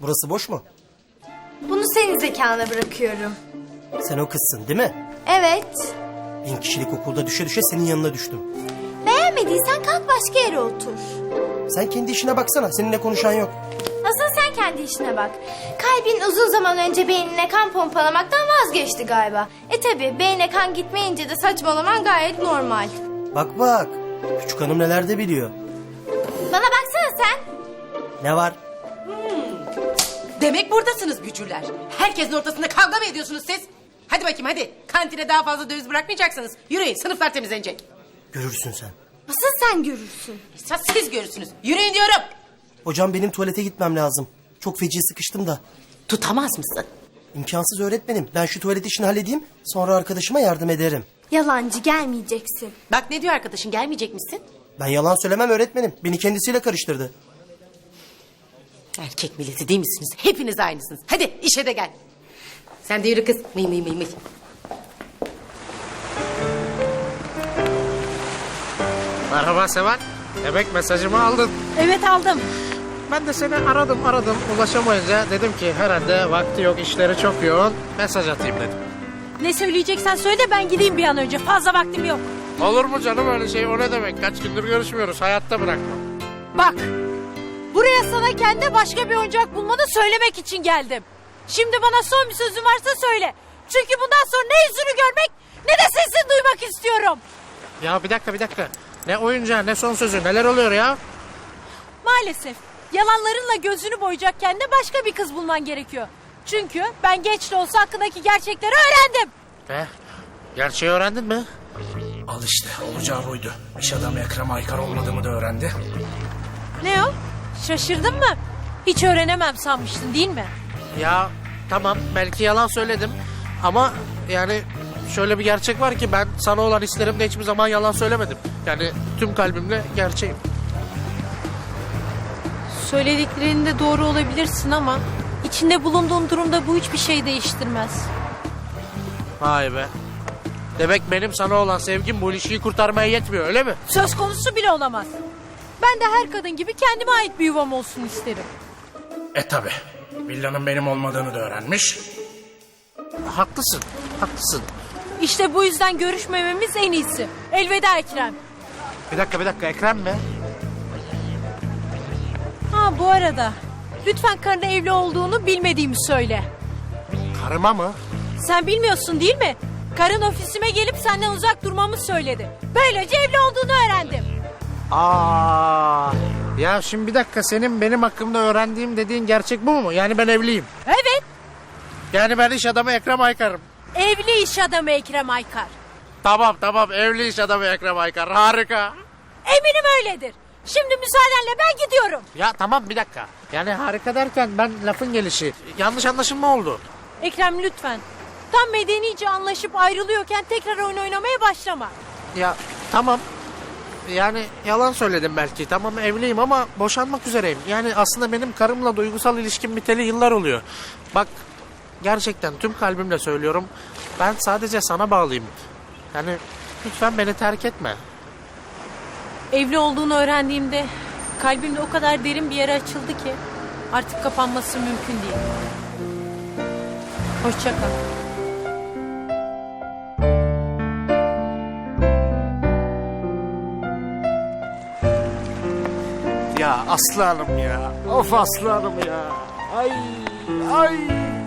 Burası boş mu? Bunu senin zekana bırakıyorum. Sen o kızsın değil mi? Evet. 1000 kişilik okulda düşe düşe senin yanına düştüm. Beğenmediysen kalk başka yere otur. Sen kendi işine baksana. Seninle konuşan yok. Asıl sen kendi işine bak. Kalbin uzun zaman önce beynine kan pompalamaktan vazgeçti galiba. Tabi beyne kan gitmeyince de saçmalaman gayet normal. Bak bak. Küçük hanım neler de biliyor. Bana baksana sen. Ne var? Demek buradasınız bücürler. Herkesin ortasında kavga mı ediyorsunuz siz? Hadi bakayım hadi. Kantine daha fazla döviz bırakmayacaksınız. Yürüyün, sınıflar temizlenecek. Görürsün sen. Asıl sen görürsün. Esas siz görürsünüz. Yürüyün diyorum. Hocam benim tuvalete gitmem lazım. Çok feci sıkıştım da. Tutamaz mısın? İmkansız öğretmenim. Ben şu tuvalet işini halledeyim. Sonra arkadaşıma yardım ederim. Yalancı, gelmeyeceksin. Bak ne diyor arkadaşın, gelmeyecek misin? Ben yalan söylemem öğretmenim. Beni kendisiyle karıştırdı. Erkek milleti değil misiniz? Hepiniz aynısınız. Hadi işe de gel. Sen de yürü kız. Mıy mıy mıy mıy. Merhaba Seval. Demek mesajımı aldın. Evet aldım. Ben de seni aradım ulaşamayınca dedim ki herhalde vakti yok, işleri çok yoğun, mesaj atayım dedim. Ne söyleyeceksen söyle de ben gideyim bir an önce. Fazla vaktim yok. Olur mu canım öyle şey, o ne demek? Kaç gündür görüşmüyoruz, hayatta bırakmam. Bak. Buraya sana kendi başka bir oyuncak bulmanı söylemek için geldim. Şimdi bana son bir sözün varsa söyle. Çünkü bundan sonra ne yüzünü görmek ne de sesini duymak istiyorum. Ya bir dakika. Ne oyuncağı, ne son sözü, neler oluyor ya? Maalesef yalanlarınla gözünü boyayacak kendine başka bir kız bulman gerekiyor. Çünkü ben geç de olsa hakkındaki gerçekleri öğrendim. Gerçeği öğrendin mi? Al işte olacağı buydu. İş adamı Ekrem Aykar olmadığımı da öğrendi. Ne o? Şaşırdın mı? Hiç öğrenemem sanmıştın değil mi? Ya tamam, belki yalan söyledim ama yani şöyle bir gerçek var ki ben sana olan hislerimde hiçbir zaman yalan söylemedim. Yani tüm kalbimle gerçeğim. Söylediklerinde doğru olabilirsin ama içinde bulunduğun durumda bu hiçbir şey değiştirmez. Vay be. Demek benim sana olan sevgim bu ilişkiyi kurtarmaya yetmiyor, öyle mi? Söz konusu bile olamaz. Ben de her kadın gibi kendime ait bir yuvam olsun isterim. Tabi. Villanın benim olmadığını da öğrenmiş. Haklısın. İşte bu yüzden görüşmememiz en iyisi. Elveda Ekrem. Bir dakika, Ekrem mi? Ha bu arada lütfen karına evli olduğunu bilmediğimi söyle. Karıma mı? Sen bilmiyorsun değil mi? Karın ofisime gelip senden uzak durmamı söyledi. Böylece evli olduğunu öğrendim. Ya şimdi bir dakika, senin benim hakkımda öğrendiğim dediğin gerçek bu mu? Yani ben evliyim. Evet, Yani ben iş adamı Ekrem Aykar'ım. evli iş adamı Ekrem Aykar. Tamam, evli iş adamı Ekrem Aykar, harika. Eminim öyledir. Şimdi müsaadenle ben gidiyorum. Ya tamam, bir dakika. Yani harika derken ben lafın gelişi. Yanlış anlaşılma oldu. Ekrem lütfen. Tam medenice anlaşıp ayrılıyorken tekrar oyun oynamaya başlama. Ya tamam. Yani yalan söyledim belki. Tamam, evliyim ama boşanmak üzereyim. Yani aslında benim karımla duygusal ilişkim biteli yıllar oluyor. Bak, gerçekten tüm kalbimle söylüyorum. Ben sadece sana bağlıyım. Yani lütfen beni terk etme. Evli olduğunu öğrendiğimde kalbimde o kadar derin bir yere açıldı ki artık kapanması mümkün değil. Hoşça kal. Ya Aslı Hanım ya. Of Aslı Hanım ya. Ay.